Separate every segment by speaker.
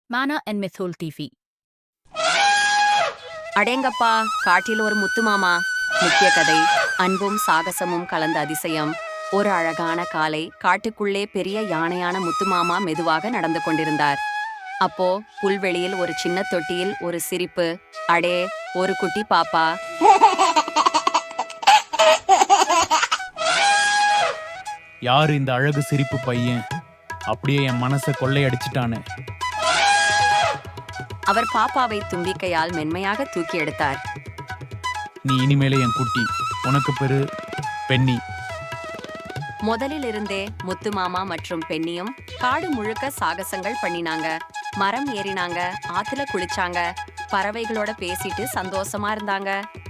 Speaker 1: Mana and Mithul TV.
Speaker 2: அடேங்கப்பா, காட்டில் ஒரு முத்து மாமா. முக்கிய கதை, அன்பும் சாகசமும் கலந்த அதிசயம். ஒரு அழகான காலை காட்டுக்குள்ளே பெரிய யானையான முத்துமாமா மெதுவாக நடந்து கொண்டிருந்தார். அப்போ புல்வெளியில் ஒரு சின்ன தொட்டியில் ஒரு சிரிப்பு. அடே, ஒரு குட்டி பாப்பா.
Speaker 3: யாரு இந்த அழகு சிரிப்பு பையன்? அப்படியே என் மனசை கொள்ளையடிச்சிட்டானே.
Speaker 2: அவர் பாப்பாவை தும்பிக்கையால் மென்மையாக தூக்கி எடுத்தார்.
Speaker 3: நீ இனிமேலே என் குட்டி. உனக்கு பெரு பெண்ணி.
Speaker 2: முதலில் இருந்தே முத்து மாமா மற்றும் பெண்ணியும் காடு முழுக்க சாகசங்கள் பண்ணினாங்க. மரம் ஏறினாங்க, ஆத்துல குளிச்சாங்க, பறவைகளோட பேசிட்டு சந்தோஷமா இருந்தாங்க.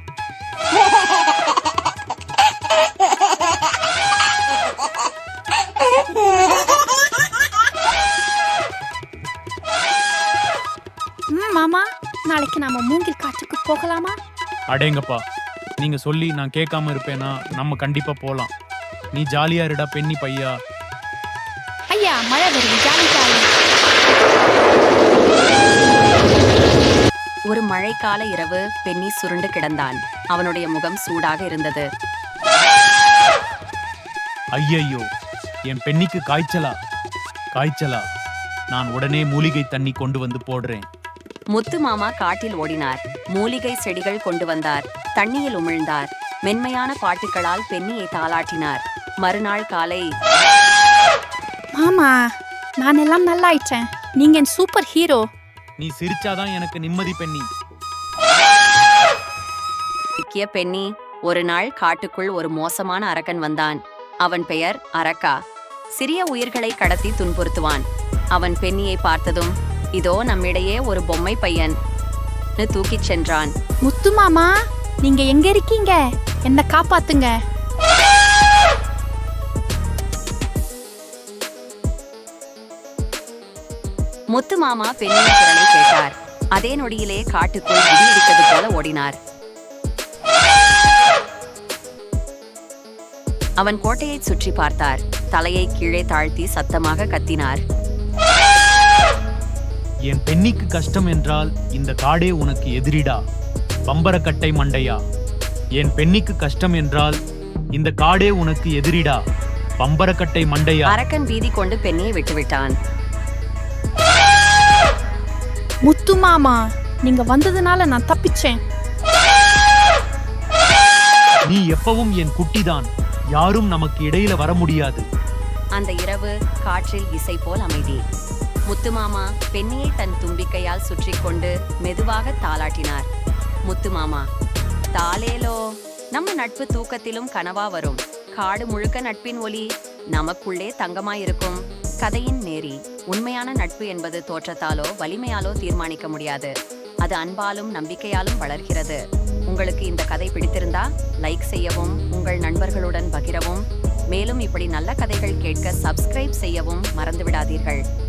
Speaker 1: மாமா, நாளைக்கு நாம மூங்கில் காட்டுக்கு போகலாமா?
Speaker 3: அடேங்கப்பா, நீங்க சொல்லி நான் கேட்காம இருப்பேனா? நம்ம கண்டிப்பா போலாம். நீ ஜாலியா இருடா பெண்ணி பையா.
Speaker 1: ஐயா, மழை வருது, ஜாலி ஜாலி.
Speaker 2: ஒரு மழைக்கால இரவு பெண்ணி சுருண்டு கிடந்தான். அவனுடைய முகம் சூடாக இருந்தது.
Speaker 3: ஐயையோ, என் பெண்ணிக்கு காய்ச்சலா? நான் உடனே மூலிகை தண்ணி கொண்டு வந்து போடுறேன்.
Speaker 2: முத்து மாமா காட்டில் ஓடினார். மூலிகை செடிகள் கொண்டு வந்தார். தண்ணியில் உமிழ்ந்தார். மென்மையான பாட்டுகளால் பெண்ணியை தாளாட்டினார். மறுநாள் காலை,
Speaker 1: மாமா, நான் எல்லாம் நல்லாயிட்டேன். நீங்க என் சூப்பர் ஹீரோ.
Speaker 3: நீ சிரிச்சாதான் எனக்கு நிம்மதி பெண்ணி.
Speaker 2: சிக்கிய பெண்ணி. ஒரு நாள் காட்டுக்குள் ஒரு மோசமான அரக்கன் வந்தான். அவன் பெயர் அரக்கா. சிறிய உயிர்களை கடத்தி துன்புறுத்துவான். அவன் பெண்ணியை பார்த்ததும், இதோ நம்மிடையே ஒரு பொம்மை பையன் தூக்கிச் சென்றான்.
Speaker 1: முத்து மாமா, நீங்க எங்க இருக்கீங்க? என்ன காப்பாத்துங்க.
Speaker 2: முத்து மாமா பெண்ணின் குரலை கேட்டார். அதே நொடியிலே காட்டுக்குள் இடி இடித்தது போல ஓடினார். அவன் கோட்டையை சுற்றி பார்த்தார். தலையை கீழே தாழ்த்தி சத்தமாக கத்தினார்.
Speaker 3: என் பெண்ணிக்கு கஷ்டம் என்றால் இந்த காடே உனக்கு எதிரிடா, பம்பரக்கட்டை மண்டையா. என் பெண்ணிக்கு கஷ்டம் என்றால் இந்த காடே உனக்கு எதிரிடா, பம்பரக்கட்டை மண்டையா.
Speaker 2: அரக்கன் பீதி கொண்டு பெண்ணியை விட்டுவிட்டான்.
Speaker 1: முத்து மாமா, நீங்க வந்ததுனால நான் தப்பிச்சேன்.
Speaker 3: நீ எப்பவும் என் குட்டிதான். யாரும் நமக்கு இடையில வர முடியாது.
Speaker 2: அந்த இரவு காற்றில் இசை போல் அமைதி. முத்துமாமா பெண்ணியை தன் தும்பிக்கையால் சுற்றி கொண்டு மெதுவாக தாளாட்டினார். முத்துமாமா, தாலேலோ, நம்ம நட்பு தூக்கத்திலும் கனவா வரும். காடு முழுக்க நட்பின் ஒலி நமக்குள்ளே தங்கமாயிருக்கும். கதையின் நேரி. உண்மையான நட்பு என்பது தோற்றத்தாலோ வலிமையாலோ தீர்மானிக்க முடியாது. அது அன்பாலும் நம்பிக்கையாலும் வளர்கிறது. உங்களுக்கு இந்த கதை பிடித்திருந்தா லைக் செய்யவும், உங்கள் நண்பர்களுடன் பகிரவும், மேலும் இப்படி நல்ல கதைகள் கேட்க சப்ஸ்கிரைப் செய்யவும் மறந்துவிடாதீர்கள்.